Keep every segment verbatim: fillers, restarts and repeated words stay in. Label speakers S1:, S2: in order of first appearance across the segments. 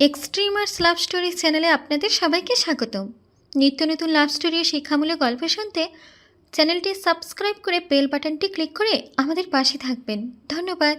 S1: Extremers love story চ্যানেলে আপনাদের সবাইকে স্বাগতম। নিত্য নতুন লাভ স্টোরি ও শিক্ষামূলক গল্প শুনতে চ্যানেলটি সাবস্ক্রাইব করে বেল বাটনটি ক্লিক করে আমাদের পাশে থাকবেন। ধন্যবাদ।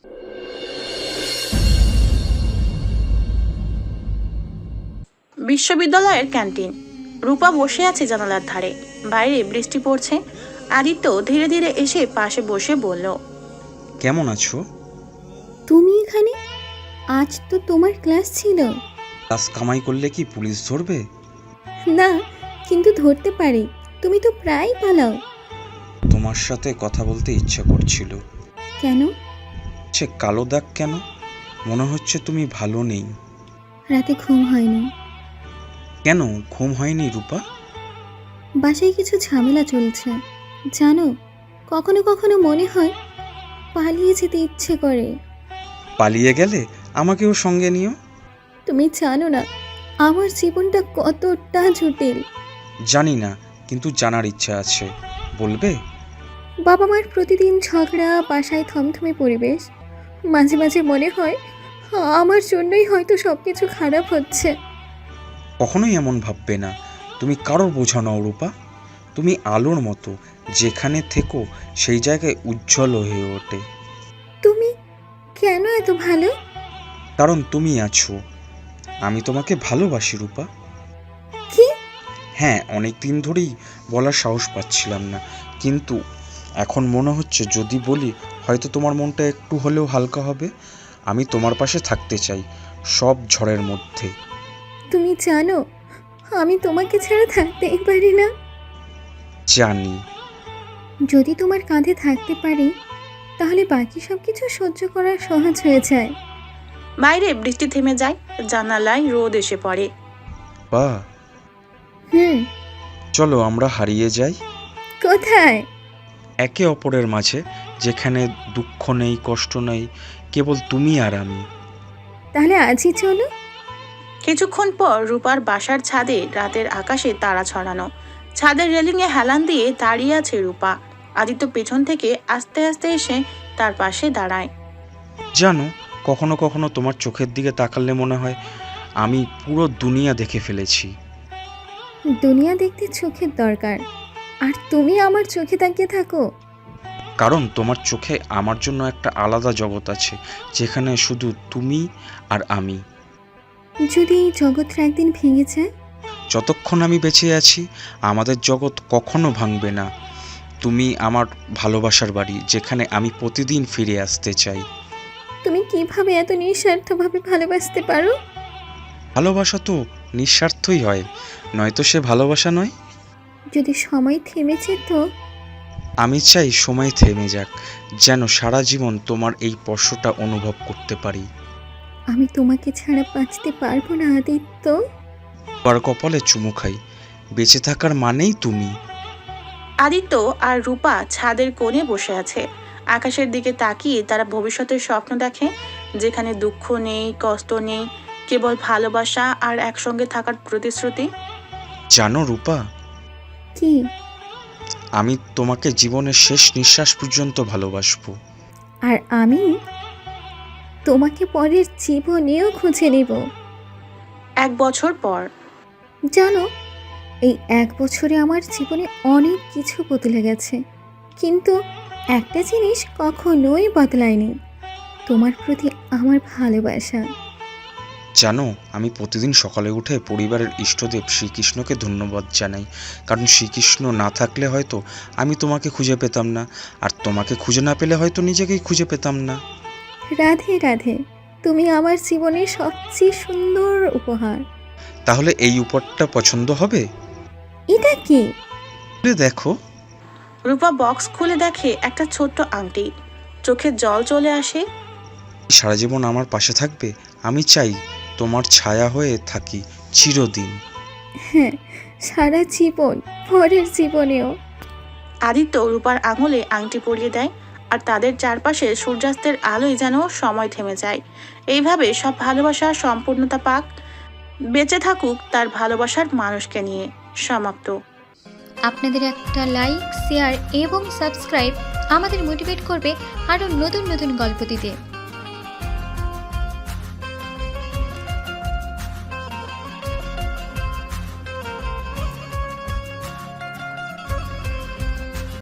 S2: বিশ্ববিদ্যালয়ের ক্যান্টিন। রূপা বসে আছে জানালার ধারে। বাইরে বৃষ্টি পড়ছে। আদিত্য ধীরে ধীরে এসে পাশে বসে বলল,
S3: কেমন আছো?
S1: তুমি এখানে? আজ তো তোমার ক্লাস ছিল।
S3: ক্লাস কামাই করলে কি পুলিশ ধরবে?
S1: না, কিন্তু ধরতে পারে। তুমি তো প্রায় পালাও।
S3: তোমার সাথে কথা বলতে ইচ্ছা করছিল।
S1: কেন?
S3: সে কালো দাগ কেন? মনে হচ্ছে তুমি ভালো নেই।
S1: রাতে ঘুম হয়নি।
S3: কেন ঘুম হয়নি রূপা?
S1: বাসায় কিছু ঝামেলা চলছে জানো। কখনো কখনো মনে হয় পালিয়ে যেতে ইচ্ছে করে।
S3: পালিয়ে গেলে আমাকেও সঙ্গে নিও।
S1: তুমি জানো না আমার জীবনটা কতটা জটিল।
S3: জানি না, কিন্তু জানার ইচ্ছা আছে। বলবে?
S1: বাবা মার প্রতিদিন ঝগড়া, বাসায় থমথমে পরিবেশ। মাঝে মাঝে মনে হয় আমার জন্যই হয়তো সব কিছু খারাপ হচ্ছে।
S3: কখনোই এমন ভাববে না। তুমি কারোর বোঝা নও রূপা। তুমি আলোর মতো, যেখানে থেকো সেই জায়গায় উজ্জ্বল হয়ে ওঠে।
S1: তুমি কেন এত ভালো?
S3: কারণ তুমি আছো। আমি তোমাকে ভালোবাসি রূপা।
S1: কি?
S3: হ্যাঁ, অনেক দিন ধরেই বলার সাহস পাচ্ছিলাম না, কিন্তু এখন মনে হচ্ছে যদি বলি হয়তো তোমার মনটা একটু হলেও হালকা হবে। আমি তোমার পাশে থাকতে চাই, সব ঝড়ের মধ্যে।
S1: তুমি জানো আমি তোমাকে ছাড়া থাকতেই পারি না।
S3: জানি।
S1: যদি তোমার কাঁধে থাকতে পারি তাহলে বাকি সব কিছু সহ্য করা সহজ হয়ে যায়।
S2: বাইরে বৃষ্টি থেমে যায়। জানালায় রোদ এসে পড়ে।
S3: বা
S1: হুম।
S3: চলো আমরা হারিয়ে যাই
S1: কোথায়?
S3: একে অপরের মাঝে, যেখানে দুঃখ নেই, কষ্ট নেই, কেবল তুমি আর আমি।
S1: তাহলে আজই চলো।
S2: কিছুক্ষণ পর রূপার বাসার ছাদে রাতের আকাশে তারা ছড়ানো। ছাদের রেলিংয়ে হেলান দিয়ে দাঁড়িয়ে আছে রূপা। আদিত্য পেছন থেকে আস্তে আস্তে এসে তার পাশে দাঁড়ায়।
S3: জানো, কখনো কখনো তোমার চোখের দিকে তাকালে মনে হয় আমি পুরো দুনিয়া দেখে ফেলেছি।
S1: দুনিয়া দেখতে চোখের দরকার, আর তুমি আমার চোখে তাকিয়ে থাকো।
S3: কারণ তোমার চোখে আমার জন্য একটা আলাদা জগৎ আছে, যেখানে শুধু তুমি আর আমি।
S1: যদি এই জগৎটা একদিন ভেঙে যায়?
S3: যতক্ষণ আমি বেঁচে আছি আমাদের জগৎ কখনো ভাঙবে না। তুমি আমার ভালোবাসার বাড়ি, যেখানে আমি প্রতিদিন ফিরে আসতে চাই।
S1: তুমি কিভাবে এত নিঃস্বার্থভাবে ভালোবাসতে পারো?
S3: ভালোবাসা তো নিঃস্বার্থই হয়, নয়তো সে ভালোবাসা নয়।
S1: যদি সময় থেমে যেত?
S3: আমি চাই সময় থেমে যাক, যেন সারা জীবন তোমার এই স্পর্শটা অনুভব করতে পারি।
S1: আমি তোমাকে ছাড়া বাঁচতে পারবো না আদিত্য।
S3: আর কপালে চুমু খাই, বেঁচে থাকার মানেই তুমি।
S2: আদিত্য আর রূপা ছাদের কোণে বসে আছে। আকাশের দিকে তাকিয়ে তারা ভবিষ্যতের স্বপ্ন দেখে, যেখানে দুঃখ নেই, কষ্ট নেই, কেবল ভালোবাসা আর একসঙ্গে থাকার প্রতিশ্রুতি।
S3: জানো রূপা,
S1: কি?
S3: আমি তোমাকে জীবনের শেষ নিঃশ্বাস পর্যন্ত ভালোবাসবো।
S1: আর আমি তোমাকে পরের জীবনেও খুঁজে নেব।
S2: এক বছর পর।
S1: জানো, এই এক বছরে আমার জীবনে অনেক কিছু বদলে গেছে, কিন্তু একটা জিনিস কখনোই বদলায়নি, তোমার প্রতি আমার ভালোবাসা।
S3: জানো, আমি প্রতিদিন সকালে উঠে পরিবারের ইষ্টদেব শ্রীকৃষ্ণকে ধন্যবাদ জানাই, কারণ শ্রীকৃষ্ণ না থাকলে হয়তো আমি তোমাকে খুঁজে পেতাম না, আর তোমাকে খুঁজে না পেলে হয়তো নিজেকেই খুঁজে পেতাম না।
S1: রাধে রাধে, তুমি আমার জীবনের সবচেয়ে সুন্দর উপহার।
S3: তাহলে এই উপহারটা পছন্দ হবে?
S1: এটা কি?
S3: দেখো।
S2: রূপা বক্স খুলে দেখে একটা ছোট্ট আংটি। চোখে জল চলে আসে।
S3: সারা জীবন আমার পাশে থাকবে? আমি চাই তোমার ছায়া হয়ে থাকি চিরদিন।
S1: হ্যাঁ, সারা জীবন, পরের জীবনেও।
S2: আদিত্য রূপার আঙুলে আংটি পরিয়ে দেয়, আর তাদের চারপাশে সূর্যাস্তের আলোয় যেন সময় থেমে যায়। এইভাবে সব ভালোবাসা সম্পূর্ণতা পাক, বেঁচে থাকুক তার ভালোবাসার মানুষকে নিয়ে। সমাপ্ত।
S1: আপনাদের একটা লাইক, শেয়ার এবং সাবস্ক্রাইব আমাদের মোটিভেট করবে আরও নতুন নতুন গল্প দিতে।